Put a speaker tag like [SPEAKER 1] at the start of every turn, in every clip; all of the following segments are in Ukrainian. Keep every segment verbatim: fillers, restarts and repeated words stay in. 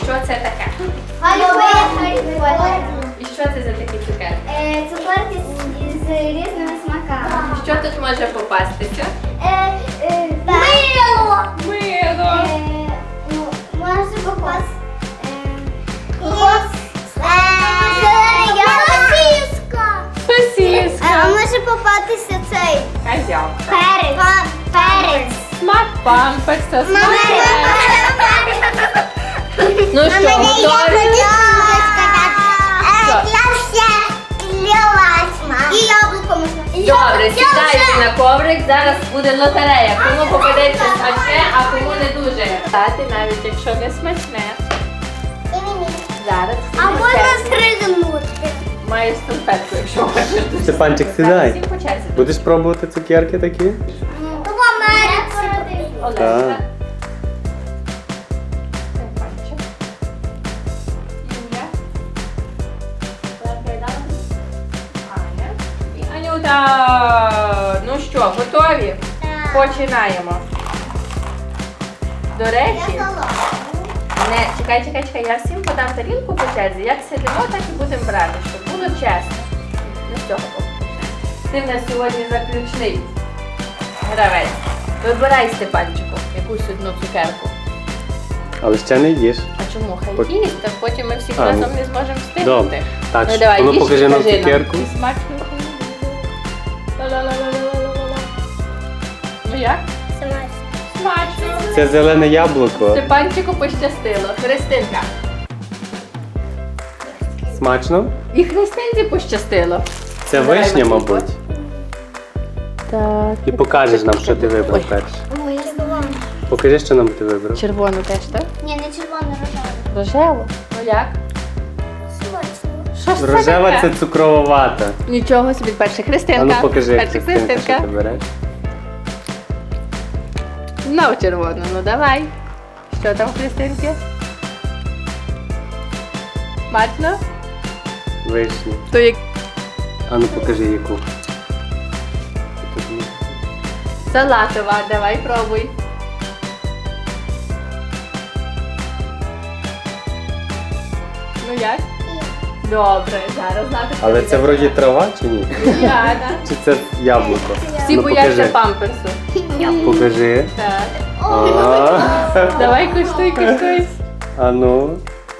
[SPEAKER 1] що це таке? І що це за такі цукерки?
[SPEAKER 2] Цукерки з, з різними смаками.
[SPEAKER 1] Що тут може попастися?
[SPEAKER 2] Е, е, Мило!
[SPEAKER 1] Мило.
[SPEAKER 2] Е, ну, може попасти. Кокос. Сосиска.
[SPEAKER 1] Сосиска.
[SPEAKER 2] А може попастися цей
[SPEAKER 1] Козявка.
[SPEAKER 2] перець. Перець.
[SPEAKER 1] Смак памперса, смак перця. Ну що, готові?
[SPEAKER 2] І яблуко можна.
[SPEAKER 1] Добре, сідайте на коврик, зараз буде лотерея. Кому попадеться смачне, а кому не дуже. Дати навіть якщо не смачне. Зараз.
[SPEAKER 2] А можна стригнути.
[SPEAKER 1] Маєш салфетку, якщо хочеш.
[SPEAKER 3] Степанчик, сідай.
[SPEAKER 1] Всім по черзі.
[SPEAKER 3] Будеш пробувати цукерки такі?
[SPEAKER 2] То в Америці.
[SPEAKER 1] Олеся. Степанчик. Юля. Аня. І Анюта. Ну що, готові? Починаємо. До речі, не, чекай, чекай, чекай, я всім подам тарілку по черзі. Як сидимо, так і будемо брати, щоб було чесно. Ну з цього боку. Ти в нас сьогодні заключний гравець. Вибирай, Степанчику, якусь одну цукерку.
[SPEAKER 3] Але ще не їж.
[SPEAKER 1] А чому? Хай
[SPEAKER 3] Пот-
[SPEAKER 1] їсть, так потім ми всі
[SPEAKER 3] А,
[SPEAKER 1] разом
[SPEAKER 3] ну,
[SPEAKER 1] не зможемо встигнути.
[SPEAKER 3] Добре. Так,
[SPEAKER 1] Ну
[SPEAKER 3] що,
[SPEAKER 1] давай,
[SPEAKER 3] воно
[SPEAKER 1] їж
[SPEAKER 3] покажи
[SPEAKER 1] і
[SPEAKER 3] нам
[SPEAKER 1] кажи
[SPEAKER 3] цукерку.
[SPEAKER 1] І смачно. Ла-ла-ла-ла-ла-ла-ла. Ну як? Смачно.
[SPEAKER 3] Це зелене яблуко.
[SPEAKER 1] Степанчику пощастило. Христинка.
[SPEAKER 3] Смачно?
[SPEAKER 1] І Христинці пощастило.
[SPEAKER 3] Це
[SPEAKER 1] Давай,
[SPEAKER 3] вишня,
[SPEAKER 1] Матвійко.
[SPEAKER 3] мабуть.
[SPEAKER 1] Так.
[SPEAKER 3] І покажеш нам, що ти вибрав
[SPEAKER 1] Ой.
[SPEAKER 3] перше.
[SPEAKER 2] Ой, я забула.
[SPEAKER 3] Покажи, що нам ти вибрав.
[SPEAKER 1] Червону теж, так?
[SPEAKER 2] Ні, не червоно, рожеве.
[SPEAKER 1] Рожеву? Ну як?
[SPEAKER 2] Смачно.
[SPEAKER 1] Що ж це
[SPEAKER 3] Рожева
[SPEAKER 1] таке?
[SPEAKER 3] це цукрова вата.
[SPEAKER 1] Нічого собі, перша Христинка.
[SPEAKER 3] А ну покажи,
[SPEAKER 1] перша
[SPEAKER 3] Христинка, що ти
[SPEAKER 1] Христинка.
[SPEAKER 3] береш.
[SPEAKER 1] Знову червону, ну давай. Що там, Христинки? Смачно?
[SPEAKER 3] Вишня.
[SPEAKER 1] То як
[SPEAKER 3] А ну покажи, яку. Тут ні.
[SPEAKER 1] салатова, давай пробуй. Ну як? Добре, зараз знати.
[SPEAKER 3] Але це вроді трава чи ні?
[SPEAKER 1] Яна.
[SPEAKER 3] Чи це яблуко?
[SPEAKER 1] Всі
[SPEAKER 3] Ну,
[SPEAKER 1] бояться
[SPEAKER 3] покажи.
[SPEAKER 1] памперсу.
[SPEAKER 3] Покажи.
[SPEAKER 1] Так.
[SPEAKER 3] А.
[SPEAKER 1] Давай куштуй, куштуй.
[SPEAKER 3] А ну.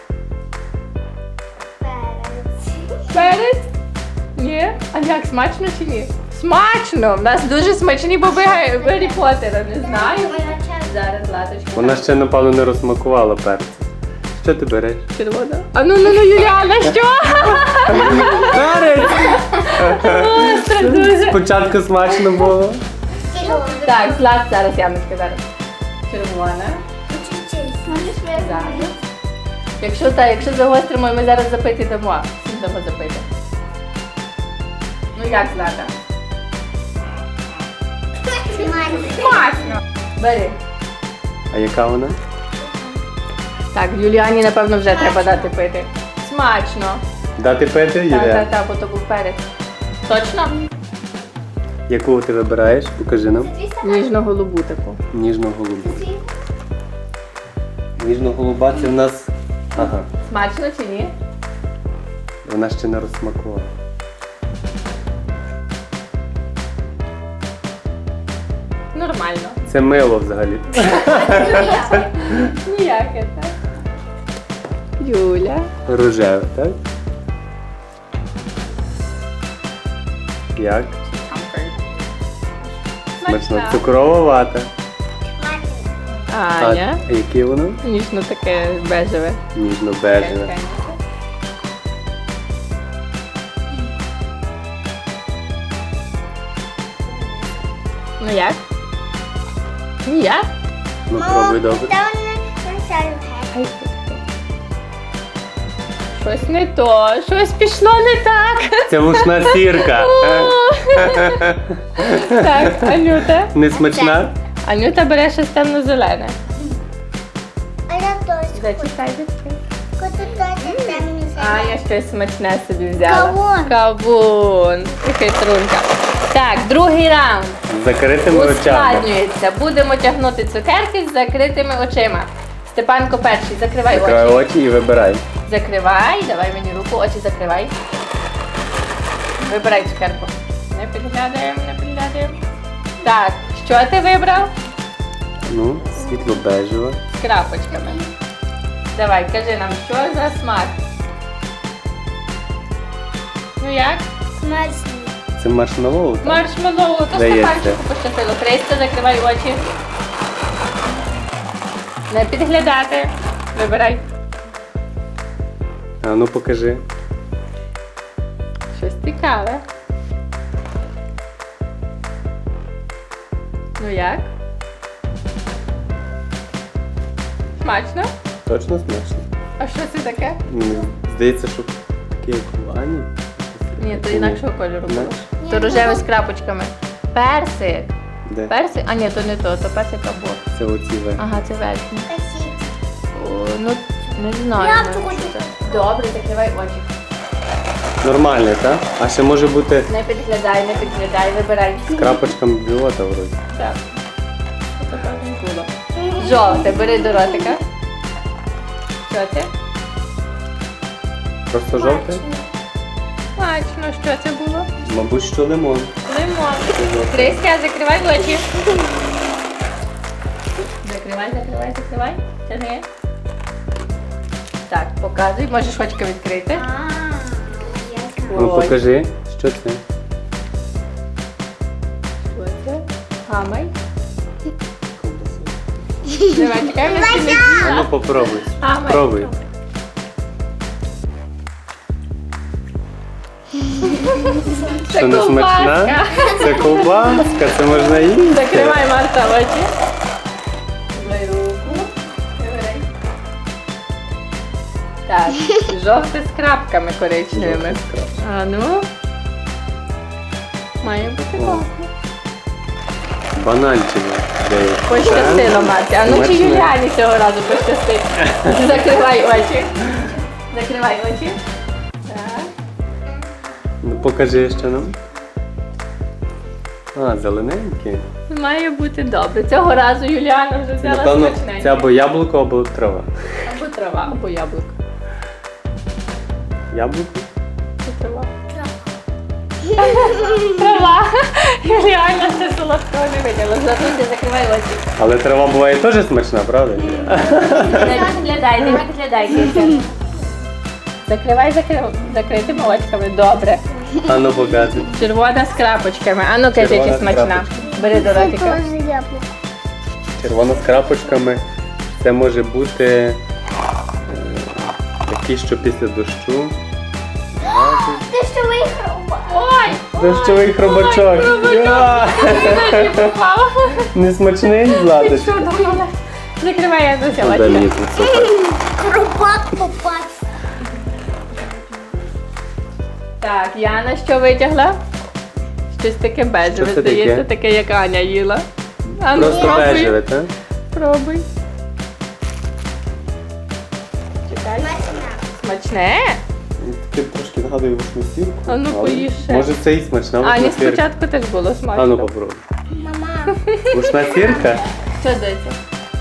[SPEAKER 3] Перець.
[SPEAKER 1] Ні? А як, смачно чи ні? Смачно! У нас дуже смачні боби Га- Гаррі Поттера, не знаю. Зараз, Латочка.
[SPEAKER 3] Вона ще, напевно, не розсмакувала перцю. Що ти береш?
[SPEAKER 1] Червона. А ну, ну, ну, Юліана, що?
[SPEAKER 3] Перець!
[SPEAKER 1] Остро дуже.
[SPEAKER 3] Спочатку смачно було.
[SPEAKER 1] Так, Злат, зараз Яночка, зараз. Червона. Зараз. Якщо так, якщо загостримо, ми зараз запити дамо. Всім дамо запити. Ну як, Злата? Смачно! Бери.
[SPEAKER 3] А яка вона?
[SPEAKER 1] Так, Юліані, напевно, вже треба дати пити. Смачно.
[SPEAKER 3] Дати пити,
[SPEAKER 1] Так,
[SPEAKER 3] Юлія?
[SPEAKER 1] так, так, бо то був перець. Точно?
[SPEAKER 3] Яку ти вибираєш? Покажи нам.
[SPEAKER 1] Ніжно-голубу таку.
[SPEAKER 3] Ніжно-голубу. Ніжно-голуба це в нас... Ага.
[SPEAKER 1] Смачно чи ні?
[SPEAKER 3] Вона ще не розсмакувала.
[SPEAKER 1] Нормально.
[SPEAKER 3] Це мило взагалі.
[SPEAKER 1] Ніяке, так? Юля.
[SPEAKER 3] Рожеве, так? Як? Смачно. Цукрова вата.
[SPEAKER 1] Аня.
[SPEAKER 3] А яке воно?
[SPEAKER 1] Ніжно таке бежеве.
[SPEAKER 3] Ніжно-бежеве.
[SPEAKER 1] Ну як? Ніяк?
[SPEAKER 3] Ну пробуй добре.
[SPEAKER 1] Щось не то, щось пішло не так.
[SPEAKER 3] Це вушна сірка.
[SPEAKER 1] Так, Анюта.
[SPEAKER 3] Не смачна?
[SPEAKER 1] Анюта бере щось темно-зелене.
[SPEAKER 2] А я теж.
[SPEAKER 1] Зачекай, зачекай.
[SPEAKER 2] Хочу теж темний
[SPEAKER 1] А, я щось смачне собі взяла.
[SPEAKER 2] Кавун.
[SPEAKER 1] Кавун. І хитрунка. Так, другий раунд.
[SPEAKER 3] З закритими очами.
[SPEAKER 1] Ускладнюється. Будемо тягнути цукерки з закритими очима. Степанко перший, закривай
[SPEAKER 3] Закривай
[SPEAKER 1] очі.
[SPEAKER 3] очі і вибирай.
[SPEAKER 1] Закривай, давай мені руку, очі закривай. Вибирай цукерку. Не підглядаємо, не підглядаємо. Так, що ти вибрав?
[SPEAKER 3] Ну, світло бежево.
[SPEAKER 1] З крапочками. Давай, кажи нам, що за смак? Ну як?
[SPEAKER 2] Смачно.
[SPEAKER 3] Це маршмеллоу, так?
[SPEAKER 1] Маршмеллоу, то
[SPEAKER 3] Здається.
[SPEAKER 1] Степанчику пощастило. Христя, закривай очі. Не підглядати. Вибирай.
[SPEAKER 3] А ну покажи.
[SPEAKER 1] Щось цікаве. Ну як? Смачно?
[SPEAKER 3] Точно смачно?
[SPEAKER 1] А що це таке?
[SPEAKER 3] Мені здається, що таке як в Ані.
[SPEAKER 1] Ні, то інакшого кольору було.
[SPEAKER 3] Інакше?
[SPEAKER 1] То рожеве з крапочками. Персик.
[SPEAKER 3] Де?
[SPEAKER 1] Персик? А ні, то не то, то персик або.
[SPEAKER 3] Це оці ви.
[SPEAKER 1] Ага, це верхній.
[SPEAKER 2] Спасибо.
[SPEAKER 1] О, ну, не знаю.
[SPEAKER 2] Я
[SPEAKER 1] ну,
[SPEAKER 2] хочу.
[SPEAKER 1] що це. Добре, закривай очі.
[SPEAKER 3] Нормальне, так? А ще може бути
[SPEAKER 1] Не підглядай, не підглядай, вибирай.
[SPEAKER 3] з крапочками біота вроді.
[SPEAKER 1] Так. Це так не було. Жовте, бери до ротика. Що це?
[SPEAKER 3] Просто жовте?
[SPEAKER 1] Смачно, що це було?
[SPEAKER 3] Мабуть, що лимон.
[SPEAKER 1] Лимон.
[SPEAKER 3] Це жовте.
[SPEAKER 1] Криська, закривай очі. Закривай, закривай, закривай. Тяни. Так, показуй. Можеш очки відкрити.
[SPEAKER 2] А, ясно.
[SPEAKER 3] Ну
[SPEAKER 1] Ой.
[SPEAKER 3] покажи, що це?
[SPEAKER 1] Що це? Гамай. Давай, чекай, ми всі не
[SPEAKER 3] А ну попробуй.
[SPEAKER 1] Гамай.
[SPEAKER 3] Пробуй.
[SPEAKER 1] Це
[SPEAKER 3] Що не смачна?
[SPEAKER 1] ковбаска.
[SPEAKER 3] Це ковбаска, це можна їсти.
[SPEAKER 1] Закривай, Марта, очі. Дай руку. Вибирай. Так, жовте з крапками коричневими. А ну. Має бути
[SPEAKER 3] О.
[SPEAKER 1] класно.
[SPEAKER 3] Бананчине. здається.
[SPEAKER 1] Пощастило, Марті. А ну чи
[SPEAKER 3] Смачне.
[SPEAKER 1] Юліані цього разу пощастить? Закривай очі. Закривай очі. Так.
[SPEAKER 3] Ну покажи ще нам. А, зелененьке.
[SPEAKER 1] Має бути добре. Цього разу Юліана вже взяла
[SPEAKER 3] Напевно,
[SPEAKER 1] смачненьке.
[SPEAKER 3] це або яблуко, або трава.
[SPEAKER 1] Або трава, або яблуко.
[SPEAKER 3] Яблуко?
[SPEAKER 1] Це трава. Трава. Юліана це солодкого не виділа. Задуйте, закривай очі.
[SPEAKER 3] Але трава буває теж смачна, правда?
[SPEAKER 1] Не підглядай, не підглядай, Кирся. Закривай закри- закритими очками. Добре.
[SPEAKER 3] А ну показуй.
[SPEAKER 1] Червона з крапочками. А ну кажи,
[SPEAKER 3] Червона
[SPEAKER 1] чи
[SPEAKER 3] з
[SPEAKER 1] смачна.
[SPEAKER 3] крапочками.
[SPEAKER 1] Бери до
[SPEAKER 2] Це
[SPEAKER 1] ротика.
[SPEAKER 2] теж яблуко.
[SPEAKER 3] Червона з крапочками. Це може бути е, такі, що після дощу.
[SPEAKER 2] Ти що виграв?
[SPEAKER 1] Ой!
[SPEAKER 3] Дощовий хробачок. Я!
[SPEAKER 1] Ой, попав.
[SPEAKER 3] Не смачний,
[SPEAKER 1] Ти
[SPEAKER 3] Златочка?
[SPEAKER 1] що думала? Закривай, я
[SPEAKER 3] Ну,
[SPEAKER 1] досяла.
[SPEAKER 3] дай мені тут супер.
[SPEAKER 2] Хробак попався.
[SPEAKER 1] Так, Яна що витягла? Щось таке бежеве,
[SPEAKER 3] Що це
[SPEAKER 1] здається,
[SPEAKER 3] таке?
[SPEAKER 1] таке, як Аня їла. А ну
[SPEAKER 3] Просто
[SPEAKER 1] пробуй.
[SPEAKER 3] бежеве, так?
[SPEAKER 1] Пробуй. Чекай.
[SPEAKER 2] Смачна.
[SPEAKER 1] Смачне?
[SPEAKER 3] Таке трошки нагадує вишнесірку.
[SPEAKER 1] А ну,
[SPEAKER 3] але
[SPEAKER 1] поїж ще.
[SPEAKER 3] Може це і смачна
[SPEAKER 1] Ані
[SPEAKER 3] вишнесірка.
[SPEAKER 1] спочатку теж було смачно.
[SPEAKER 3] А ну попробуй.
[SPEAKER 2] Мама.
[SPEAKER 3] Вишна сірка?
[SPEAKER 1] Що дивиться?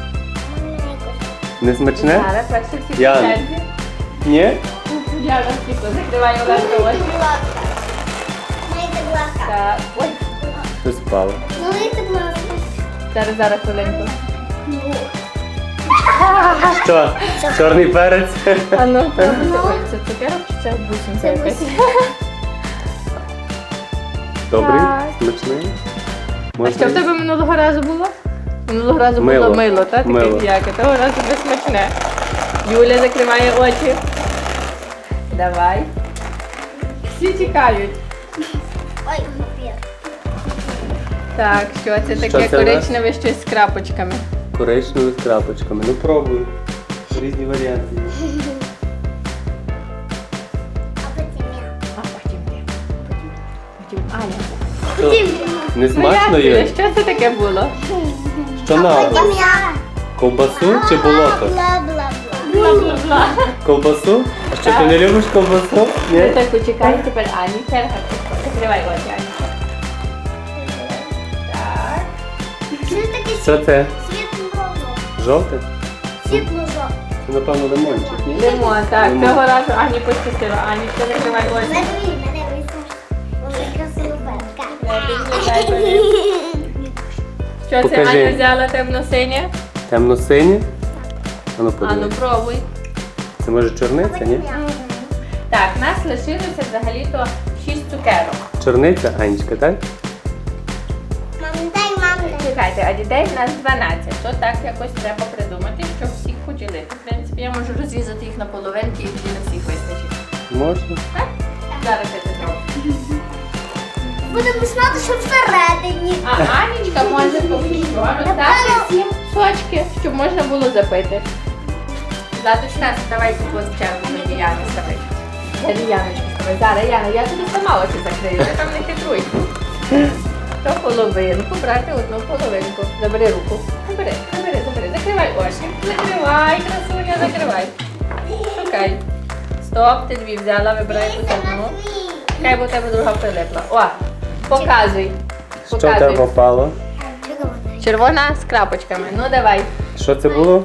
[SPEAKER 3] Не смачне?
[SPEAKER 1] Зараз перше всі
[SPEAKER 3] Яна.
[SPEAKER 1] по черзі.
[SPEAKER 3] Ні?
[SPEAKER 1] Яна світло, закривай обратно очі.
[SPEAKER 2] Налийте глазка.
[SPEAKER 1] Так, ой,
[SPEAKER 3] Щось впало.
[SPEAKER 2] Налийте глазка.
[SPEAKER 1] зараз, зараз хвилинку.
[SPEAKER 3] Що? Чорний перець?
[SPEAKER 1] А ну, пробуйте. Ой, це цукерок чи це бусинка якась?
[SPEAKER 3] Добрий?
[SPEAKER 1] Так.
[SPEAKER 3] Смачний?
[SPEAKER 1] А що в тебе минулого разу було? Минулого разу
[SPEAKER 3] Мило.
[SPEAKER 1] було мило, так?
[SPEAKER 3] Мило.
[SPEAKER 1] Таке м'яке. Того разу безсмачне. Юля закриває очі. Давай. Всі чекають.
[SPEAKER 2] Ой, папір.
[SPEAKER 1] Так, що це
[SPEAKER 3] Що
[SPEAKER 1] таке
[SPEAKER 3] це у нас?
[SPEAKER 1] коричневе щось з крапочками?
[SPEAKER 3] Коричневий з крапочками. Ну пробуй. Різні варіанти. є.
[SPEAKER 2] А потім я.
[SPEAKER 1] А потім ти. Потім Аня.
[SPEAKER 3] Що? Не смачно
[SPEAKER 1] Ну, як
[SPEAKER 3] є?
[SPEAKER 1] це? Що це таке було?
[SPEAKER 3] Що на?
[SPEAKER 2] Потім я.
[SPEAKER 3] Ковбасу чи болото?
[SPEAKER 2] Бла-бла-бла.
[SPEAKER 1] Бла-бла-бла.
[SPEAKER 3] Ковбасу? А що ти не любиш ковбасу?
[SPEAKER 1] Ну
[SPEAKER 3] Ні?
[SPEAKER 1] так, почекай, тепер Ані черга. Закривай очі, Ані. Так.
[SPEAKER 2] Це таке
[SPEAKER 3] Що це?
[SPEAKER 2] світло-жовте.
[SPEAKER 3] Жовте?
[SPEAKER 2] Світло-жовте.
[SPEAKER 3] Це, напевно, лимончик, ні?
[SPEAKER 1] Лимон, так.
[SPEAKER 3] Лимон.
[SPEAKER 1] Цього разу Ані пощастило. Анічка, закривай очі.
[SPEAKER 2] Мене мене висиш. Велика соловенка.
[SPEAKER 1] Не піднідай, бери. Що це
[SPEAKER 3] Покажи.
[SPEAKER 1] Аня взяла темно-синє?
[SPEAKER 3] Темно-синє? А ну
[SPEAKER 1] Ану,
[SPEAKER 3] подивись.
[SPEAKER 1] пробуй.
[SPEAKER 3] Це може чорниця, ні?
[SPEAKER 1] Так, нас лишилося взагалі-то шість цукерок.
[SPEAKER 3] Чорниця, Анечка, так?
[SPEAKER 2] Мам, дай, мам, дай.
[SPEAKER 1] Чекайте, а дітей в нас дванадцять. То так якось треба придумати, щоб всіх поділити. В принципі, я можу розрізати їх на половинки і тоді на всіх вистачить.
[SPEAKER 3] Можна?
[SPEAKER 1] Так? Зараз я це зроблю.
[SPEAKER 2] Будемо знати, що всередині.
[SPEAKER 1] А Анічка може поки що роздати всім сочки, щоб можна було запити. Златочка, давай тут ось чергу мені Яни стави. Далі Яночки стави. Зараз, Яна, я тобі сама очі закрию, ти там не хитруй. То половинку, брати одну половинку. Забери руку. Забери, забери, забери. Закривай очі. Закривай, красуня, закривай. Шукай. Стоп, ти дві взяла, вибирай тут одну. Хай бо у тебе друга прилипла. О, показуй.
[SPEAKER 3] Що в тебе
[SPEAKER 1] Показуй.
[SPEAKER 3] попало?
[SPEAKER 1] Червона з крапочками. Ну давай.
[SPEAKER 3] Що це було?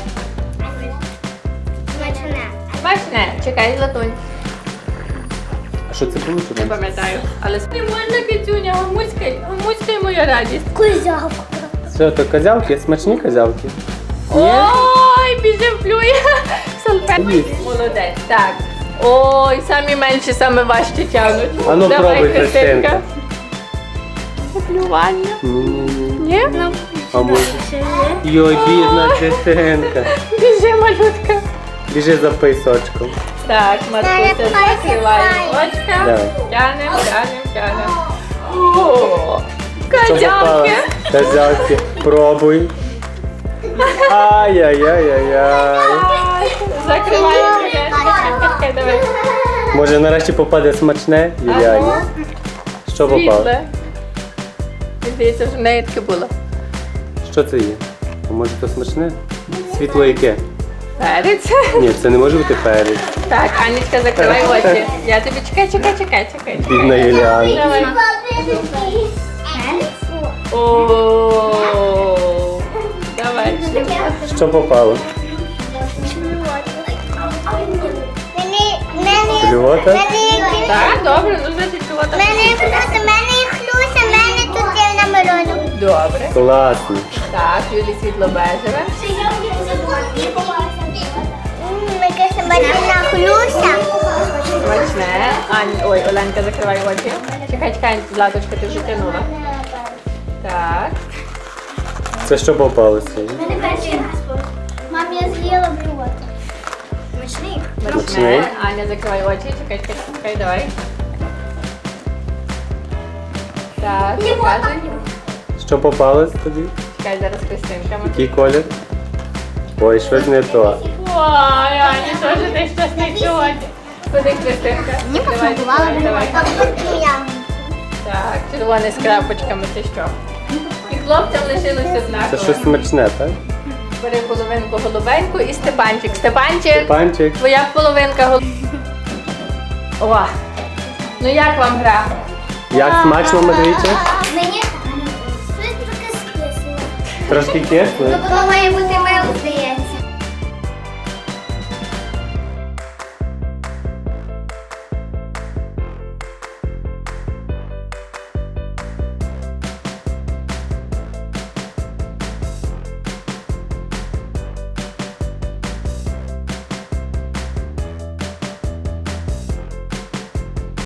[SPEAKER 2] Смачне.
[SPEAKER 1] Смачне. Чекай, Златунь.
[SPEAKER 3] А що це було?
[SPEAKER 1] Не
[SPEAKER 3] Чорниця?
[SPEAKER 1] пам'ятаю. Але не можна, кицюня, гамуськай. Гамуськай моя радість.
[SPEAKER 2] Кузявка.
[SPEAKER 3] Що, то козявки? Смачні козявки? Ні?
[SPEAKER 1] Ой, біжи плює. Салфетки.
[SPEAKER 3] Їсть.
[SPEAKER 1] Молодець. Так. Ой, самі менші, саме важче тягнуть.
[SPEAKER 3] А ну,
[SPEAKER 1] Давай,
[SPEAKER 3] пробуй, Христинка.
[SPEAKER 1] Плювання.
[SPEAKER 3] Ні-ні-ні.
[SPEAKER 1] Ні?
[SPEAKER 3] А може? Йой, бідна дитинка.
[SPEAKER 1] Біжи, малютка.
[SPEAKER 3] Біжи за писочком.
[SPEAKER 1] Так, Матуся, закриває очка.
[SPEAKER 3] Давай.
[SPEAKER 1] Тянем, тянем, тянем. О,
[SPEAKER 3] Що попало?
[SPEAKER 1] козявки.
[SPEAKER 3] Козявки. Пробуй. Ай-яй-яй-яй-яй.
[SPEAKER 1] Ай, закриваємо. Чекай, чекай, давай.
[SPEAKER 3] Може нарешті попаде смачне, Юліані? Що попало?
[SPEAKER 1] Світле. Мені здається, що в неї таке було.
[SPEAKER 3] Що це є? А може то смачне? Світло яке?
[SPEAKER 1] Перець.
[SPEAKER 3] Ні, це не може бути перець.
[SPEAKER 1] Так, Анічка, закривай очі. Я тобі чекай, чекай, чекай, чекай.
[SPEAKER 3] Бідна Юліана.
[SPEAKER 1] Давай. О, давай.
[SPEAKER 3] Що попало?
[SPEAKER 2] Мені, мене,
[SPEAKER 3] Блювота?
[SPEAKER 2] мене,
[SPEAKER 1] Так, добре, ну значить чого там.
[SPEAKER 2] мене, просто мене і хлюся, мене тут є намальовано.
[SPEAKER 1] Добре.
[SPEAKER 3] Класно.
[SPEAKER 1] Так, Юлі світло бежеве.
[SPEAKER 2] Яке смачна хлюся.
[SPEAKER 1] Смачне. Ань, ой, Оленка, закривай очі. Чекай, чекай, Златочка, ти вже тянула. Так.
[SPEAKER 3] Це що попалося?
[SPEAKER 2] Мам, я з'їла блювото. Смачний?
[SPEAKER 3] Смачний.
[SPEAKER 1] Смачне. Аня, закривай очі. Чекай, чекай, чекай, давай. Так, показуй.
[SPEAKER 3] Що попалось тобі?
[SPEAKER 1] Чекай, зараз Христинка.
[SPEAKER 3] Який колір? Ой, щось не то.
[SPEAKER 1] Ой, Аня, теж ти щось не сьогодні. Куди Христинка?
[SPEAKER 2] Мені
[SPEAKER 1] Давай,
[SPEAKER 2] пошокувала
[SPEAKER 1] давай, давай.
[SPEAKER 2] блювото.
[SPEAKER 1] Так, червоне з крапочками, це що? І хлопцям лишилося
[SPEAKER 3] Це
[SPEAKER 1] однаково.
[SPEAKER 3] щось смачне, так?
[SPEAKER 1] Бери половинку голубеньку і Степанчик. Степанчик,
[SPEAKER 3] Панчик.
[SPEAKER 1] твоя половинка гол... О, ну як вам гра?
[SPEAKER 3] Як смачно, Матвійчик?
[SPEAKER 2] Мені щось трохи скисло.
[SPEAKER 3] Трошки кисло.
[SPEAKER 2] Воно має бути мило, здається.